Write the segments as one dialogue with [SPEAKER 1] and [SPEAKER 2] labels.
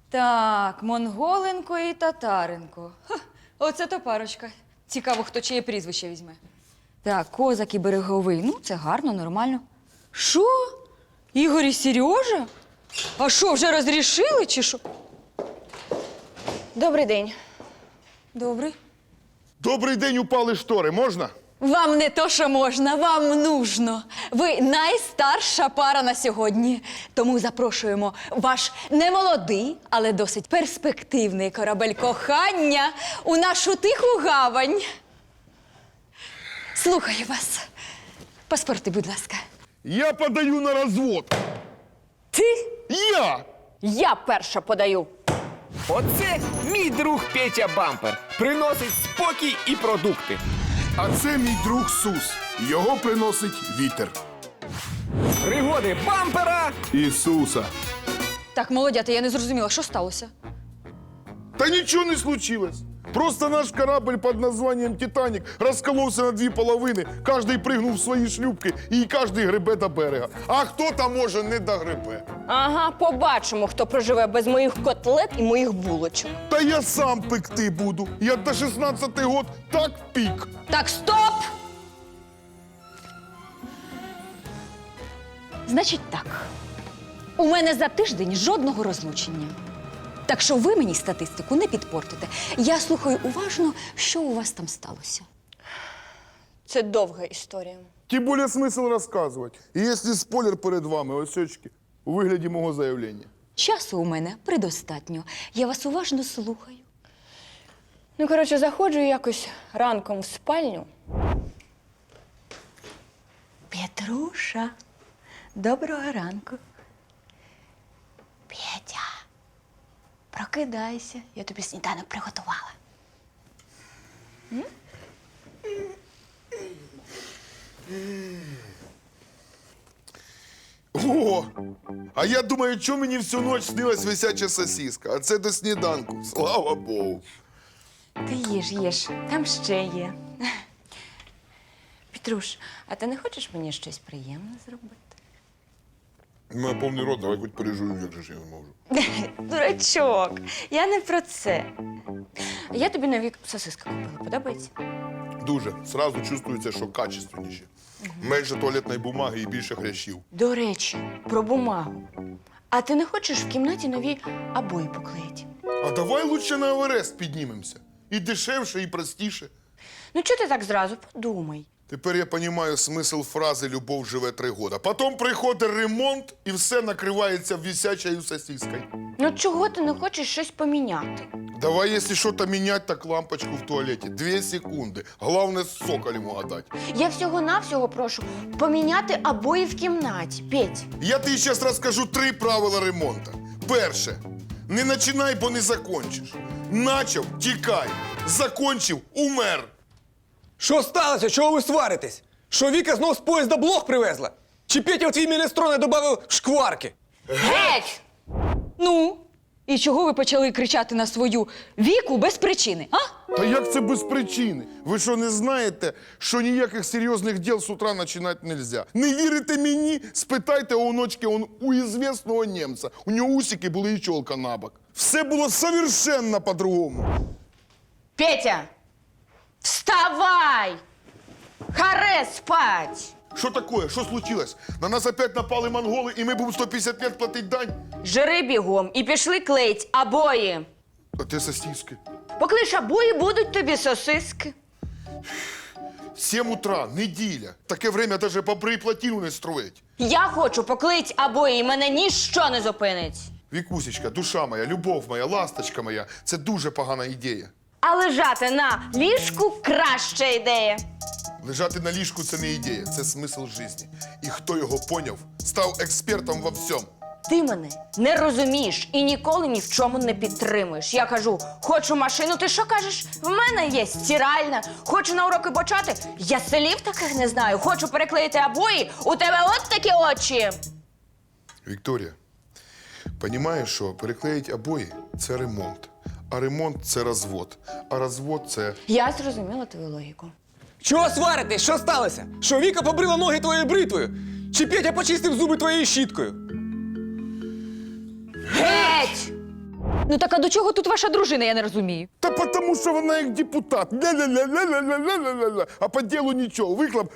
[SPEAKER 1] Так, Монголенко і Татаренко. Ха, оце то парочка. Цікаво, хто чиє прізвище візьме. Так, Козак і Береговий. Ну, це гарно, нормально. Що? Ігор і Сережа? А що, вже розрішили чи що?
[SPEAKER 2] Добрий день.
[SPEAKER 1] Добре.
[SPEAKER 3] Добрий день, упали штори, можна?
[SPEAKER 1] Вам не то, що можна, вам нужно. Ви найстарша пара на сьогодні. Тому запрошуємо ваш немолодий, але досить перспективний корабель кохання у нашу тиху гавань. Слухаю вас. Паспорти, будь ласка.
[SPEAKER 3] Я подаю на розвод.
[SPEAKER 1] Ти?
[SPEAKER 3] Я!
[SPEAKER 2] Я перша подаю.
[SPEAKER 4] Оце мій друг Петя Бампер. Приносить спокій і продукти.
[SPEAKER 3] А це мій друг Сус. Його приносить вітер.
[SPEAKER 4] Пригоди бампера.
[SPEAKER 3] Ісуса.
[SPEAKER 1] Так, молодята, я не зрозуміла, що сталося?
[SPEAKER 3] Та нічого не случилось. Просто наш корабль під названням «Титанік» розколовся на дві половини, кожний пригнув в свої шлюпки і кожний гребе до берега. А хто там може не догребе?
[SPEAKER 2] Ага, побачимо, хто проживе без моїх котлет і моїх булочок.
[SPEAKER 3] Та я сам пекти буду. Я до 16 год так пік.
[SPEAKER 1] Так, стоп! Значить так, у мене за тиждень жодного розлучення. Так що ви мені статистику не підпортите. Я слухаю уважно, що у вас там сталося.
[SPEAKER 2] Це довга історія.
[SPEAKER 3] Тим більше смисл розказувати. І якщо спойлер перед вами, ось очки, у вигляді мого заявлення.
[SPEAKER 1] Часу у мене предостатньо. Я вас уважно слухаю.
[SPEAKER 2] Ну, коротше, заходжу якось ранком в спальню.
[SPEAKER 1] Петруша, доброго ранку. Петя, прокидайся, я тобі сніданок приготувала.
[SPEAKER 3] О! А я думаю, що мені всю ніч снилась висяча сосиска, а це до сніданку. Слава Богу.
[SPEAKER 1] Ти їж, там ще є.
[SPEAKER 2] Петруш, а ти не хочеш мені щось приємне зробити?
[SPEAKER 3] У мене повний рот, давай хоч пережую, як же ж я не можу.
[SPEAKER 2] Дурачок, я не про це. Я тобі нові сосиски купила, подобається?
[SPEAKER 3] Дуже. Сразу чувствується, що качественніші. Менше туалетної бумаги і більше хрящів.
[SPEAKER 2] До речі, про бумагу. А ти не хочеш в кімнаті нові обої поклеїти?
[SPEAKER 3] А давай лучше на Еверест піднімемося. І дешевше, і простіше.
[SPEAKER 2] Ну, чого ти так зразу? Подумай.
[SPEAKER 3] Тепер я розумію смисл фрази «любов живе 3 года». Потім приходить ремонт, і все накривається висячою сосискою.
[SPEAKER 2] Ну, чого ти не хочеш щось поміняти?
[SPEAKER 3] Давай, якщо щось міняти, так лампочку в туалеті. 2 секунди. Головне, з соколем угадати.
[SPEAKER 2] Я всього-навсього прошу поміняти обої в кімнаті, Петь.
[SPEAKER 3] Я тобі зараз розкажу 3 правила ремонту. Перше. Не починай, бо не закончиш. Начав – тікай. Закончив – умер.
[SPEAKER 4] Що сталося? Чого ви сваритесь? Що Віка знов з поїзда блох привезла? Чи Петя в твій мінестрон додав шкварки?
[SPEAKER 2] Геть!
[SPEAKER 1] Ну, і чого ви почали кричати на свою Віку без причини, а?
[SPEAKER 3] Та як це без причини? Ви що, не знаєте, що ніяких серйозних діл з утра починати нельзя? Не вірите мені? Спитайте у онучки у ізвісного німця. У нього усики були і чолка набок. Все було совершенно по-другому.
[SPEAKER 2] Петя! Вставай! Харе спать!
[SPEAKER 3] Що таке? Що случилось? На нас опять напали монголи, і ми будемо 150 лет платити дань?
[SPEAKER 2] Жири бігом і пішли клеїть обої.
[SPEAKER 3] А ти сосиски.
[SPEAKER 2] Поклиш обої, будуть тобі сосиски.
[SPEAKER 3] 7 утра, неділя. Таке время даже бобри і плотину не строїть.
[SPEAKER 2] Я хочу поклеїть обої, і мене ніщо не зупинить.
[SPEAKER 3] Вікусечка, душа моя, любов моя, ласточка моя, це дуже погана ідея.
[SPEAKER 2] А лежати на ліжку краща ідея.
[SPEAKER 3] Лежати на ліжку – це не ідея, це смисл життя. І хто його поняв, став експертом во всьому.
[SPEAKER 2] Ти мене не розумієш і ніколи ні в чому не підтримуєш. Я кажу, хочу машину, ти що кажеш? В мене є стиральна. Хочу на уроки почати, я слів таких не знаю. Хочу переклеїти обої, у тебе от такі очі.
[SPEAKER 3] Вікторія, розумієш, що переклеїть обої – це ремонт. А ремонт – це розвод. А розвод – це…
[SPEAKER 2] Я зрозуміла твою логіку.
[SPEAKER 4] Чого сваритесь? Що сталося? Що Віка побрила ноги твоєю бритвою? Чи Петя почистив зуби твоєю щіткою?
[SPEAKER 2] Геть!
[SPEAKER 1] Ну так а до чого тут ваша дружина, я не розумію.
[SPEAKER 3] Та потому що вона як депутат. Ля-ля-ля-ля-ля-ля-ля-ля. А по ділу нічого. Вихлоп.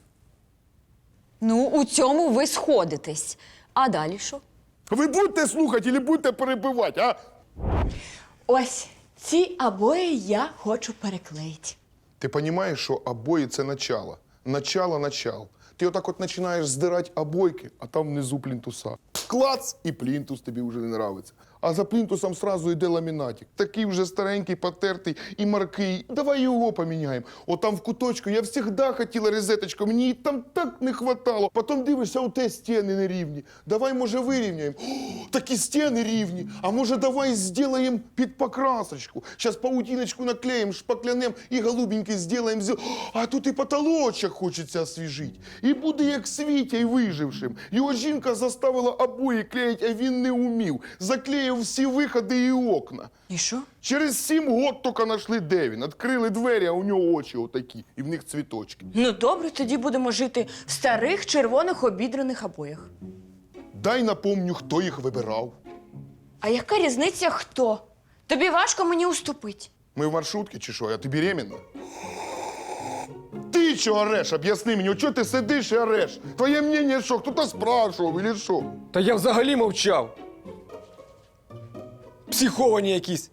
[SPEAKER 1] Ну, у цьому ви сходитесь. А далі що?
[SPEAKER 3] Ви будете слухати чи будете перебивати, а?
[SPEAKER 2] Ось ці обої я хочу переклеїти.
[SPEAKER 3] Ти розумієш, що обої – це начало. Начало. Ти отак от починаєш здирати обойки, а там внизу плінтуса. Клац, і плінтус тобі вже не нравиться. А за плінтусом сразу йде ламінатик. Такий вже старенький, потертий і маркий. Давай його поміняємо. От там в куточку я завжди хотіла розеточку, мені її там так не хватало. Потім дивишся, у те стіни не рівні. Давай, може, вирівняємо. О, такі стіни рівні. А може, давай зробимо під покрасочку. Зараз паутиночку наклеїмо, шпаклянем і голубенький зробимо. А тут і потолочок хочеться освіжити. І буде як Світя й вижившим. Його жінка заставила обої клеїти, а він не умів. Заклеїв всі виходи і окна.
[SPEAKER 2] І що?
[SPEAKER 3] Через 7 год тільки знайшли, де він. Відкрили двері, а у нього очі отакі. І в них цвіточки.
[SPEAKER 2] Ну добре, тоді будемо жити в старих червоних обідраних обоях.
[SPEAKER 3] Дай напомню, хто їх вибирав.
[SPEAKER 2] А яка різниця хто? Тобі важко мені уступити.
[SPEAKER 3] Ми в маршрутці чи що? Я ти беременна? Ти чого ореш? Об'ясни мені, чого ти сидиш і ореш? Твоє мнення що? Хто-то спрашував, или що?
[SPEAKER 4] Та я взагалі мовчав. Психовані якісь.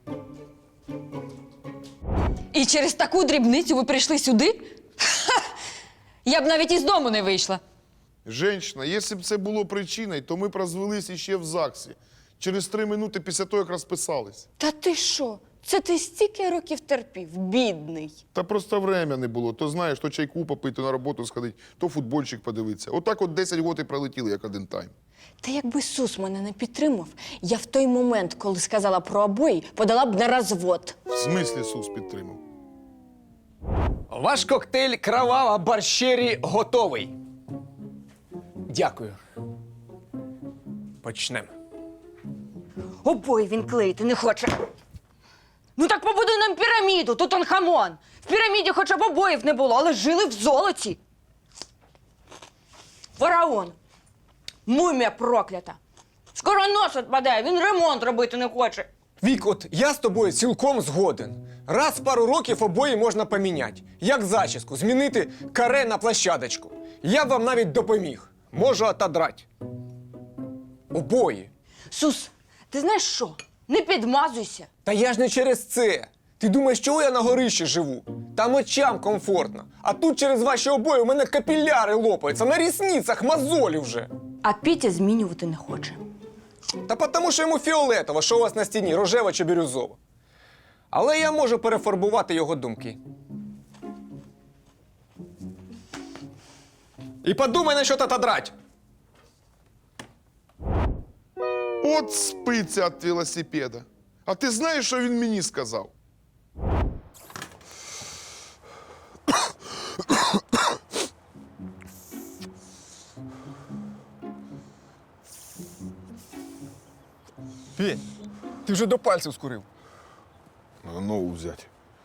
[SPEAKER 1] І через таку дрібницю ви прийшли сюди? Ха! Я б навіть із дому не вийшла.
[SPEAKER 3] Женщина, якщо б це було причиною, то ми б розвелись іще в ЗАГСі. Через 3 минути після того, як розписались.
[SPEAKER 2] Та ти що? Це ти стільки років терпів, бідний.
[SPEAKER 3] Та просто время не було. То знаєш, то чайку попити, то на роботу сходити, то футбольчик подивитися. Отак от 10 років і пролетіли, як один тайм.
[SPEAKER 2] Та якби Сус мене не підтримав, я в той момент, коли сказала про обої, подала б на розвод.
[SPEAKER 3] В смислі Сус підтримав?
[SPEAKER 4] Ваш коктейль «Кровава борщері» готовий. Дякую. Почнемо.
[SPEAKER 2] Обої він клеїти не хоче. Ну так побудуй нам піраміду, Тутанхамон. В піраміді хоча б обоїв не було, але жили в золоті. Фараон. Мумія проклята. Скоро нос відпадає, він ремонт робити не хоче.
[SPEAKER 4] Вік, от я з тобою цілком згоден. Раз в пару років обої можна поміняти. Як зачіску, змінити каре на площадочку. Я б вам навіть допоміг. Можу отодрать. Обої.
[SPEAKER 2] Сус, ти знаєш що? Не підмазуйся.
[SPEAKER 4] Та я ж не через це. Ти думаєш, чого я на горищі живу? Там очам комфортно. А тут через ваші обої у мене капіляри лопаються, на рісницях мозолі вже.
[SPEAKER 2] А Пітя змінювати не хоче.
[SPEAKER 4] Та тому, що йому фіолетово, що у вас на стіні, рожево чи бірюзово. Але я можу перефарбувати його думки. І подумай на що отодрать.
[SPEAKER 3] От спиться від велосипеда. А ти знаєш, що він мені сказав?
[SPEAKER 4] Петь, ти вже до пальців скурив.
[SPEAKER 3] Надо нову взяти.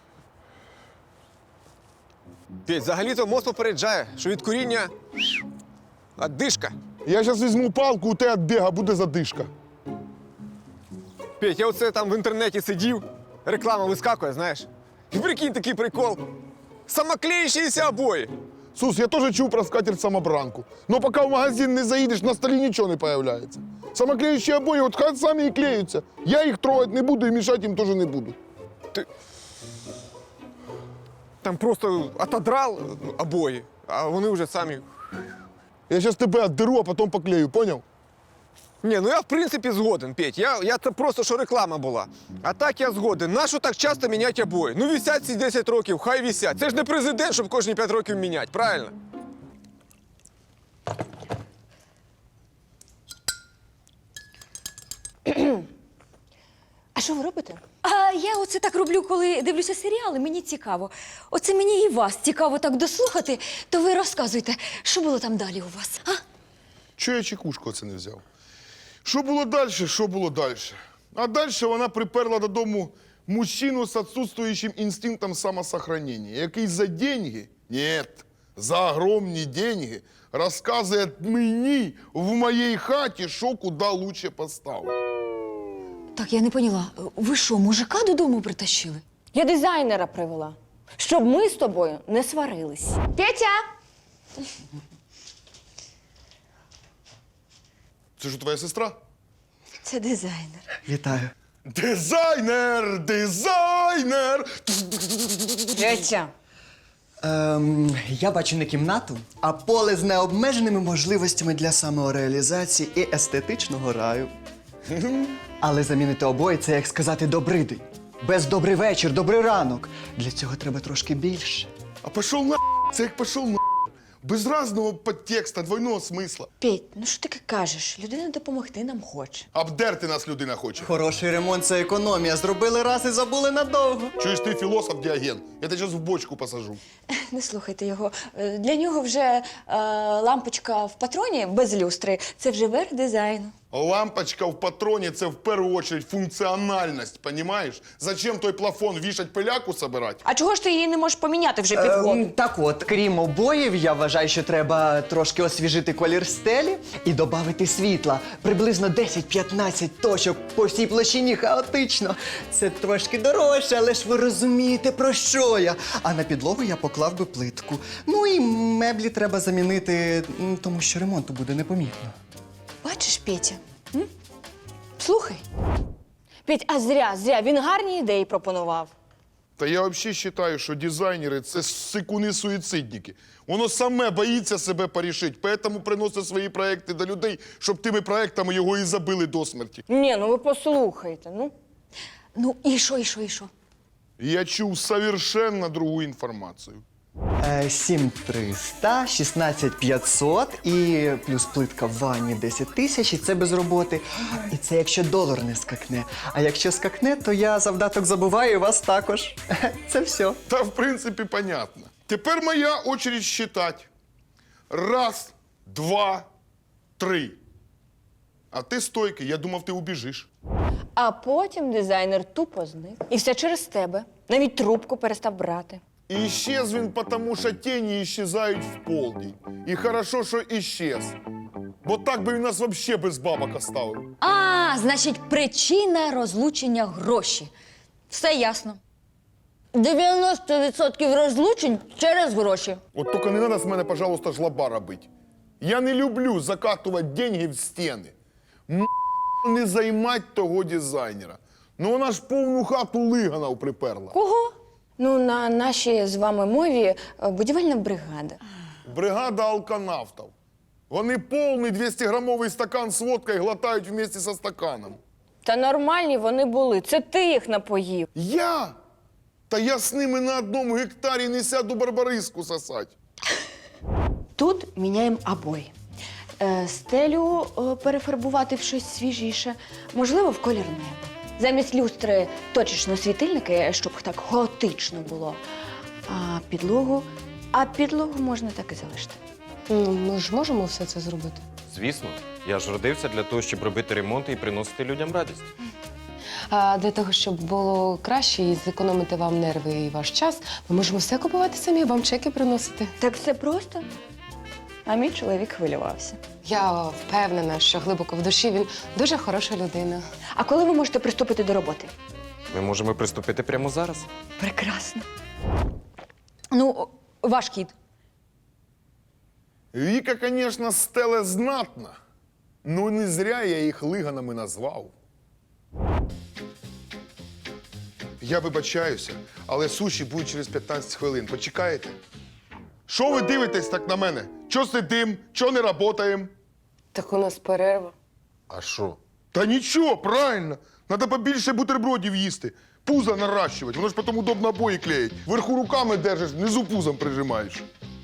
[SPEAKER 4] Петь, взагалі-то мозк попереджає, що від куріння одишка.
[SPEAKER 3] Я зараз візьму палку, у тебе від біга буде задишка.
[SPEAKER 4] Петь, я оце там в інтернеті сидів, реклама вискакує, знаєш. І прикинь, такий прикол. Самоклеючіся обої.
[SPEAKER 3] Сус, я теж чув про скатерть-самобранку. Но поки в магазин не заїдеш, на столі нічого не появляється. Самоклеючі обої, от хай самі і клеються. Я їх трогати не буду і мішати їм теж не буду.
[SPEAKER 4] Там просто отодрал обої, а вони вже самі.
[SPEAKER 3] Я зараз тебе отдеру, а потім поклею, поняв?
[SPEAKER 4] Ні, ну я в принципі згоден, Петь. Я це просто, що реклама була. А так я згоден. Нащо так часто міняти обої? Ну висять ці 10 років, хай висять. Це ж не президент, щоб кожні 5 років міняти, правильно?
[SPEAKER 2] А що ви робите?
[SPEAKER 1] А я оце так роблю, коли дивлюся серіали, мені цікаво. Оце мені і вас цікаво так дослухати, то ви розказуйте, що було там далі у вас, а?
[SPEAKER 3] Чого я чекушку оце не взяв? Що було далі, що було далі? А далі вона приперла додому мужчину з відсутствуючим інстинктом самосохранення, який за деньги, ні, за огромні деньги, розказує мені в моїй хаті, що куди лучше поставити.
[SPEAKER 1] Так, я не поняла. Ви що, мужика додому притащили?
[SPEAKER 2] Я дизайнера привела, щоб ми з тобою не сварились. Петя!
[SPEAKER 3] Це ж твоя сестра?
[SPEAKER 1] Це дизайнер.
[SPEAKER 5] Вітаю.
[SPEAKER 3] Дизайнер! Дизайнер!
[SPEAKER 2] Петя!
[SPEAKER 5] Я бачу не кімнату, а поле з необмеженими можливостями для самореалізації і естетичного раю. Але замінити обоє це як сказати добрий день. Без добрий вечір, добрий ранок. Для цього треба трошки більше.
[SPEAKER 3] А пішов на це як пішов на без разного підтекста, двойного смисла.
[SPEAKER 2] Петь, ну що таке кажеш? Людина допомогти нам хоче.
[SPEAKER 3] Обдерти нас людина хоче.
[SPEAKER 5] Хороший ремонт це економія. Зробили раз і забули надовго.
[SPEAKER 3] Чуєш, ти філософ Діоген. Я тебе зараз в бочку посажу.
[SPEAKER 1] Не слухайте його. Для нього вже лампочка в патроні без люстри. Це вже верх дизайну.
[SPEAKER 3] Лампочка в патроні – це в першу чергу функціональність, понімаєш? Зачем той плафон вішать пиляку собирати?
[SPEAKER 2] А чого ж ти її не можеш поміняти вже півгоду?
[SPEAKER 5] Так от, крім обоїв, я вважаю, що треба трошки освіжити колір стелі і додати світла. Приблизно 10-15 точок по всій площині хаотично. Це трошки дорожче, але ж ви розумієте, про що я. А на підлогу я поклав би плитку. Ну і меблі треба замінити, тому що ремонту буде непомітно.
[SPEAKER 2] Бачиш, Петя? Слухай. Петь, а зря. Він гарні ідеї пропонував.
[SPEAKER 3] Та я взагалі вважаю, що дизайнери – це сикуни-суїцидники. Воно саме боїться себе порішити, тому приносить свої проекти до людей, щоб тими проектами його і забили до смерті.
[SPEAKER 2] Ні, ну ви послухайте, ну.
[SPEAKER 1] Ну, і що?
[SPEAKER 3] Я чув совершенно другу інформацію.
[SPEAKER 5] 7300, 16500 і плюс плитка в ванні 10 тисяч, і це без роботи. І це якщо долар не скакне. А якщо скакне, то я завдаток забуваю і вас також. Це все.
[SPEAKER 3] Та, в принципі, понятно. Тепер моя очередь считати. Раз, два, три. А ти стойкий, я думав, ти убіжиш.
[SPEAKER 2] А потім дизайнер тупо зник. І все через тебе. Навіть трубку перестав брати.
[SPEAKER 3] І исчез він, тому що тіні исчезають в полдень. І хорошо, що исчез. Бо так би він нас взагалі без бабок оставив.
[SPEAKER 1] А, значить, причина розлучення гроші. Все ясно.
[SPEAKER 2] 90% розлучень через гроші.
[SPEAKER 3] От тільки не треба з мене, пожалуйста, жлоба робити. Я не люблю закатувати деньги в стіни. Не займать того дизайнера. Ну вона ж повну хату лиганов приперла.
[SPEAKER 2] Кого? Ну, на нашій з вами мові будівельна бригада.
[SPEAKER 3] Бригада алканавтів. Вони повний 200-грамовий стакан з водкою глотають вместе со стаканом.
[SPEAKER 2] Та нормальні вони були. Це ти їх напоїв.
[SPEAKER 3] Я? Та я з ними на одному гектарі не сяду барбариску сосать.
[SPEAKER 2] Тут міняємо обої. Стелю перефарбувати в щось свіжіше, можливо, в колір неба. Замість люстри точечно світильники, щоб так хаотично було. А підлогу можна так і залишити.
[SPEAKER 6] Ну, ми ж можемо все це зробити.
[SPEAKER 7] Звісно, я ж родився для того, щоб робити ремонти і приносити людям радість.
[SPEAKER 6] А для того, щоб було краще і зекономити вам нерви і ваш час, ми можемо все купувати самі, вам чеки приносити.
[SPEAKER 2] Так все просто. А мій чоловік хвилювався.
[SPEAKER 6] Я впевнена, що глибоко в душі він дуже хороша людина.
[SPEAKER 2] А коли ви можете приступити до роботи?
[SPEAKER 7] Ми можемо приступити прямо зараз.
[SPEAKER 2] Прекрасно.
[SPEAKER 1] Ну, ваш кіт.
[SPEAKER 3] Віка, звісно, стеле знатна, ну не зря я їх лиганами назвав. Я вибачаюся, але суші будуть через 15 хвилин. Почекаєте? Що ви дивитесь так на мене? Чо сидим? Чо не працюємо?
[SPEAKER 6] Так у нас перерва.
[SPEAKER 3] А що? Та нічого, правильно. Надо побільше бутербродів їсти. Пузо наращувати, воно ж потім удобно обої клеїть. Вверху руками держиш, внизу пузом прижимаєш.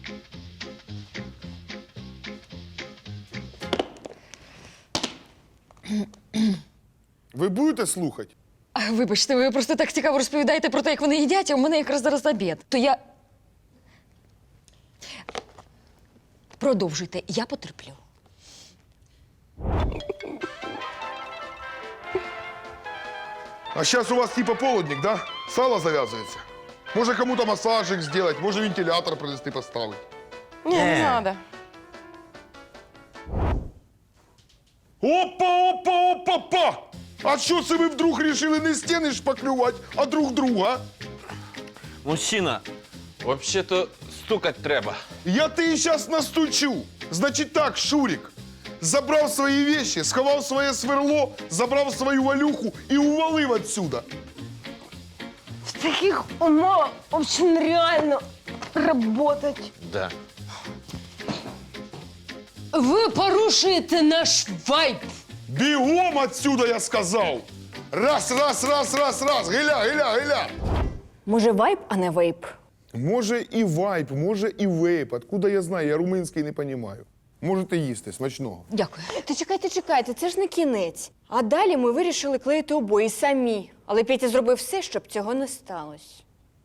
[SPEAKER 3] Ви будете слухати?
[SPEAKER 1] Вибачте, ви просто так цікаво розповідаєте про те, як вони їдять, а у мене якраз зараз обід. То я. Продовжуйте, я потерплю.
[SPEAKER 3] А зараз у вас типа полудник, да? Сало зав'язується. Може кому-то масажик зробити, може вентилятор принести поставити.
[SPEAKER 6] Ні, не треба.
[SPEAKER 3] Опа! А що це ви вдруг рішили не стіни шпаклювати, а друг друга?
[SPEAKER 7] Мужчина, взагалі-то стукать треба.
[SPEAKER 3] Я тебе зараз настучу. Значить так, Шурик, забрав свої вещи, сховав своє сверло, забрав свою валюху і увалив отсюда.
[SPEAKER 2] В таких умовах взагалі нереально працювати.
[SPEAKER 7] Да.
[SPEAKER 6] Ви порушуєте наш вайб.
[SPEAKER 3] Бігом отсюда, я сказав. Раз, гиля.
[SPEAKER 2] Може, вайб, а не вейп?
[SPEAKER 3] Може і вайп, може і вейп. Откуда я знаю? Я румунський не розумію. Можете їсти, смачного.
[SPEAKER 1] Дякую.
[SPEAKER 2] Та чекайте, це ж не кінець. А далі ми вирішили клеїти обої самі. Але Петя зробив все, щоб цього не сталося.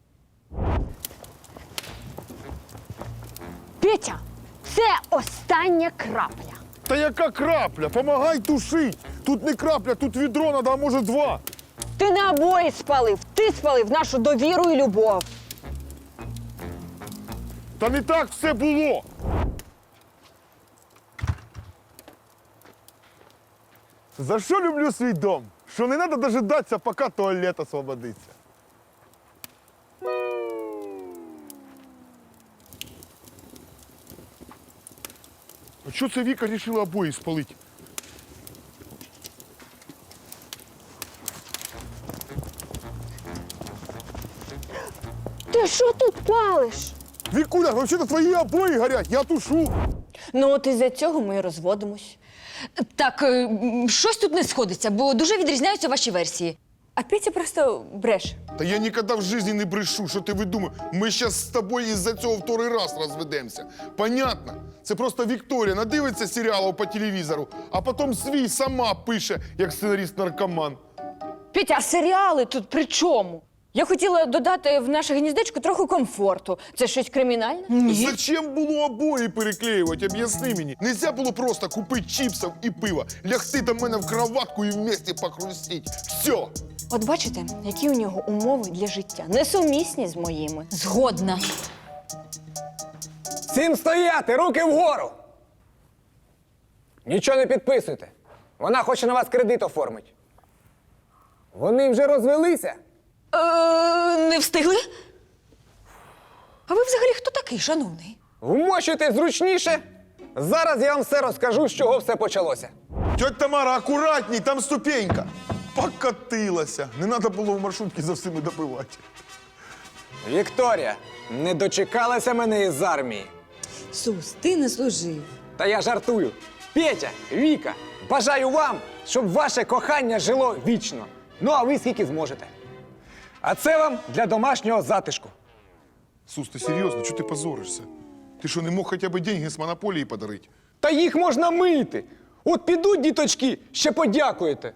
[SPEAKER 2] Петя, це остання крапля.
[SPEAKER 3] Та яка крапля? Помагай тушить. Тут не крапля, тут відро надо, а може два.
[SPEAKER 2] Ти не обої спалив, ти спалив нашу довіру і любов.
[SPEAKER 3] Та не так все було. За що люблю свій дом? Що не треба дожидатися, поки туалет освободиться. А чого це Віка вирішила обої спалити?
[SPEAKER 2] Ти що тут палиш?
[SPEAKER 3] Вікуля, взагалі твої обої горять, я тушу.
[SPEAKER 2] Ну, от із-за цього ми і розводимось.
[SPEAKER 1] Так, щось тут не сходиться, бо дуже відрізняються ваші версії.
[SPEAKER 2] А Петя просто бреше.
[SPEAKER 3] Та я ніколи в житті не брешу, що ти видумав. Ми зараз з тобою із-за цього второй раз розведемося. Понятно? Це просто Вікторія надивиться серіалів по телевізору, а потім свій сама пише, як сценарист-наркоман.
[SPEAKER 2] Петя, а серіали тут при чому? Я хотіла додати в наше гніздечко трохи комфорту. Це щось кримінальне?
[SPEAKER 3] Зачем було обої переклеювати? Об'ясни мені. Нельзя було просто купити чіпсів і пива, лягти до мене в кроватку і вместе похрустіть. Все.
[SPEAKER 2] От бачите, які у нього умови для життя. Несумісні з моїми.
[SPEAKER 1] Згодна.
[SPEAKER 4] Всім стояти, руки вгору! Нічого не підписуйте. Вона хоче на вас кредит оформити. Вони вже розвелися.
[SPEAKER 1] Не встигли? А ви взагалі хто такий, шановний?
[SPEAKER 4] Вмощуйте зручніше. Зараз я вам все розкажу, з чого все почалося.
[SPEAKER 3] Тьотя Тамара, акуратній, там ступенька. Покатилася. Не треба було в маршрутці за всіми допивати.
[SPEAKER 4] Вікторія, не дочекалася мене із армії.
[SPEAKER 1] Сус, ти не служив.
[SPEAKER 4] Та я жартую. Петя, Віка, бажаю вам, щоб ваше кохання жило вічно. Ну, а ви скільки зможете. А це вам для домашнього затишку.
[SPEAKER 3] Сус, ти серйозно? Чого ти позоришся? Ти що, не мог хоча б деньги з монополії подарити?
[SPEAKER 4] Та їх можна мити. От підуть діточки, ще подякуєте.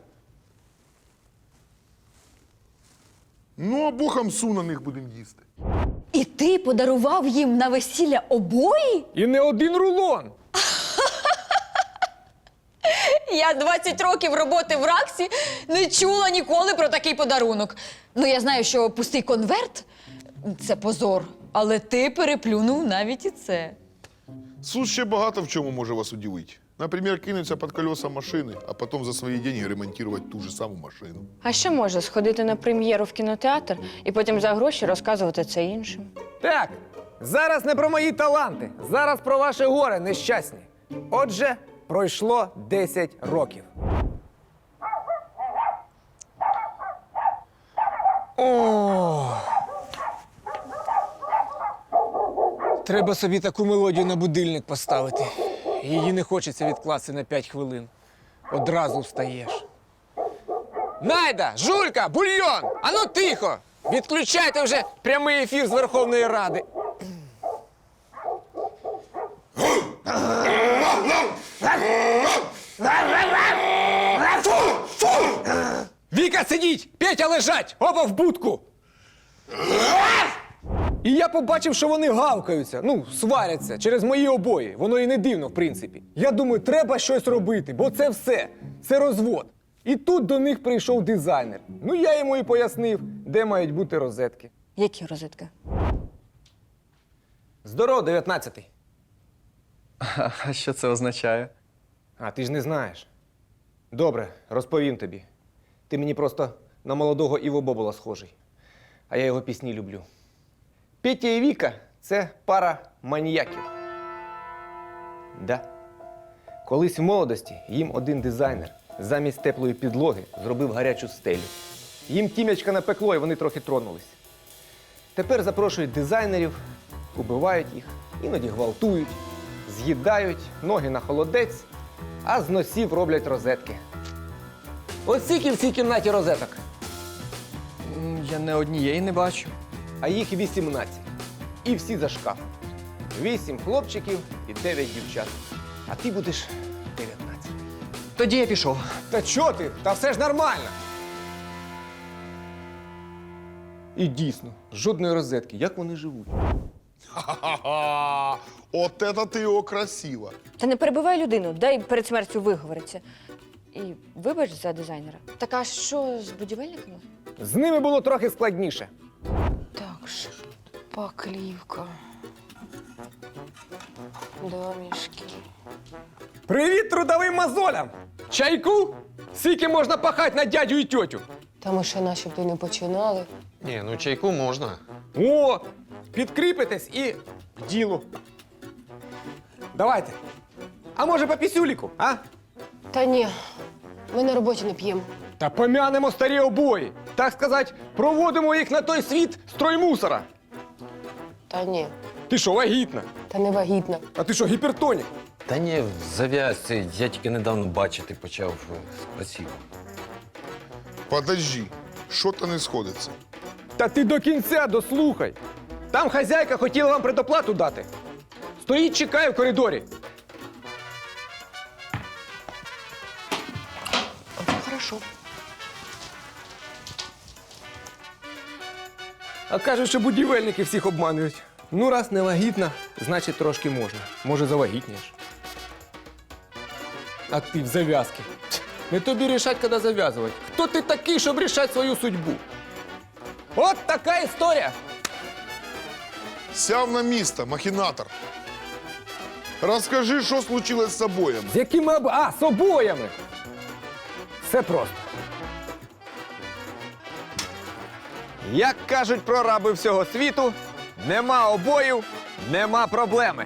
[SPEAKER 3] Ну, а бухам су на них будемо їсти.
[SPEAKER 1] І ти подарував їм на весілля обої?
[SPEAKER 4] І не один рулон.
[SPEAKER 1] Я 20 років роботи в РАКСі не чула ніколи про такий подарунок. Ну, я знаю, що пустий конверт – це позор, але ти переплюнув навіть і це.
[SPEAKER 3] Сус ще багато в чому може вас удивити. Наприклад, кинуться під колеса машини, а потім за свої деньги ремонтувати ту ж саму машину.
[SPEAKER 2] А ще може сходити на прем'єру в кінотеатр і потім за гроші розказувати це іншим.
[SPEAKER 4] Так, зараз не про мої таланти, зараз про ваше горе нещасні. Отже, пройшло 10 років. О! Треба собі таку мелодію на будильник поставити. Її не хочеться відкласти на 5 хвилин. Одразу встаєш. Найда, Жулька, бульйон! Ану тихо! Відключайте вже прямий ефір з Верховної Ради. Віка, сидіть! Петя лежать! Оба в будку! І я побачив, що вони гавкаються, ну, сваряться через мої обої. Воно і не дивно, в принципі. Я думаю, треба щось робити, бо це все. Це розвод. І тут до них прийшов дизайнер. Ну, я йому і пояснив, де мають бути розетки.
[SPEAKER 2] Які розетки?
[SPEAKER 4] Здоров, 19-й.
[SPEAKER 5] А що це означає?
[SPEAKER 4] А ти ж не знаєш. Добре, розповім тобі. Ти мені просто на молодого Іво Бобола схожий. А я його пісні люблю. Петя і Віка – це пара маніяків. Да. Колись в молодості їм один дизайнер замість теплої підлоги зробив гарячу стелю. Їм тім'ячка напекло, і вони трохи тронулись. Тепер запрошують дизайнерів, убивають їх, іноді гвалтують, з'їдають, ноги на холодець, а з носів роблять розетки. Ось скільки в цій кімнаті розеток,
[SPEAKER 5] Я не однієї не бачу.
[SPEAKER 4] а їх 18. І всі за шкафом. 8 хлопчиків і 9 дівчат. А ти будеш 19.
[SPEAKER 5] Тоді я пішов.
[SPEAKER 4] Та чо ти? Та все ж нормально. І дійсно, жодної розетки. Як вони живуть?
[SPEAKER 3] Ха-ха-ха! От это ти його красиво.
[SPEAKER 2] Та не перебивай людину, дай перед смертю виговориться. І вибач за дизайнера. Так а що з будівельниками?
[SPEAKER 4] З ними було трохи складніше.
[SPEAKER 6] Так, шпаклівка. Домішки.
[SPEAKER 4] Привіт трудовим мозолям! Чайку? Скільки можна пахати на дядю і тьотю?
[SPEAKER 6] Та ми ще начебто не починали.
[SPEAKER 7] Ні, ну чайку можна.
[SPEAKER 4] О, підкріпитесь і к ділу. Давайте. А може по пісюліку, а?
[SPEAKER 6] Та ні, ми на роботі не п'ємо.
[SPEAKER 4] Та пом'янемо старі обої. Так сказати, проводимо їх на той світ строймусора.
[SPEAKER 6] Та ні,
[SPEAKER 4] Ти що, вагітна?
[SPEAKER 6] та не вагітна.
[SPEAKER 4] А ти що, гіпертонік?
[SPEAKER 7] Та ні, зав'язці. Я тільки недавно бачити почав спасибо.
[SPEAKER 3] Подожди, що-то не сходиться.
[SPEAKER 4] Та ти до кінця дослухай. Там хазяйка хотіла вам предоплату дати. Стоїть, чекає в коридорі.
[SPEAKER 6] Хорошо.
[SPEAKER 4] А кажуть, що будівельники всіх обманюють. Ну, раз не вагітна, значить трошки можна. Може, завагітнієш. А ти в зав'язки. Не тобі рішать, коли зав'язувати. Хто ти такий, щоб рішати свою судьбу? От така історія.
[SPEAKER 3] Сяв на місто, махінатор. Розкажи, що случилось з обоями.
[SPEAKER 4] З якими з обоями. Все просто. Як кажуть прораби всього світу, нема обоїв, нема проблеми.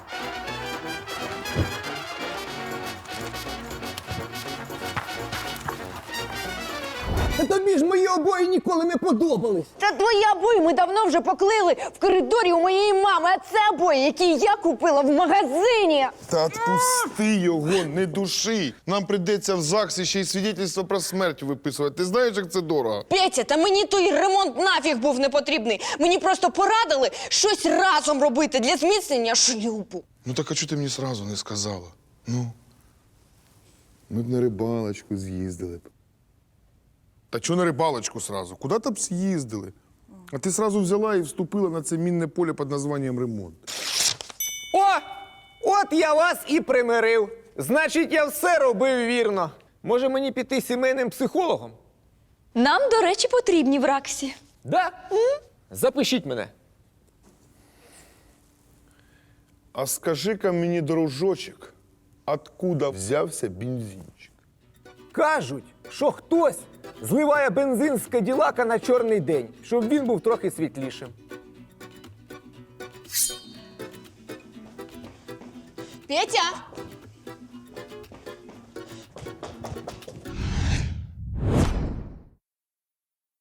[SPEAKER 4] Та тобі ж мої обої ніколи не подобались.
[SPEAKER 2] Та твої обої ми давно вже поклили в коридорі у моєї мами, а це обої, які я купила в магазині.
[SPEAKER 3] Та відпусти його, не души. Нам прийдеться в ЗАГСі ще й свідетельство про смерть виписувати. Ти знаєш, як це дорого?
[SPEAKER 2] Петя, та мені той ремонт нафіг був не потрібний. Мені просто порадили щось разом робити для зміцнення шлюбу.
[SPEAKER 3] Ну так а чого ти мені сразу не сказала? Ну, ми б на рибалочку з'їздили б. Та чого на рибалочку сразу? Куди там з'їздили? А ти сразу взяла і вступила на це мінне поле під названням ремонт.
[SPEAKER 4] О! От я вас і примирив. Значить, я все робив вірно. Може мені піти сімейним психологом?
[SPEAKER 1] Нам, до речі, потрібні в Раксі.
[SPEAKER 4] Да? Запишіть мене.
[SPEAKER 3] А скажи-ка мені, дружочек, откуда взявся бензинчик?
[SPEAKER 4] Кажуть, що хтось зливає бензин з Каділака на чорний день, щоб він був трохи світлішим.
[SPEAKER 2] Петя,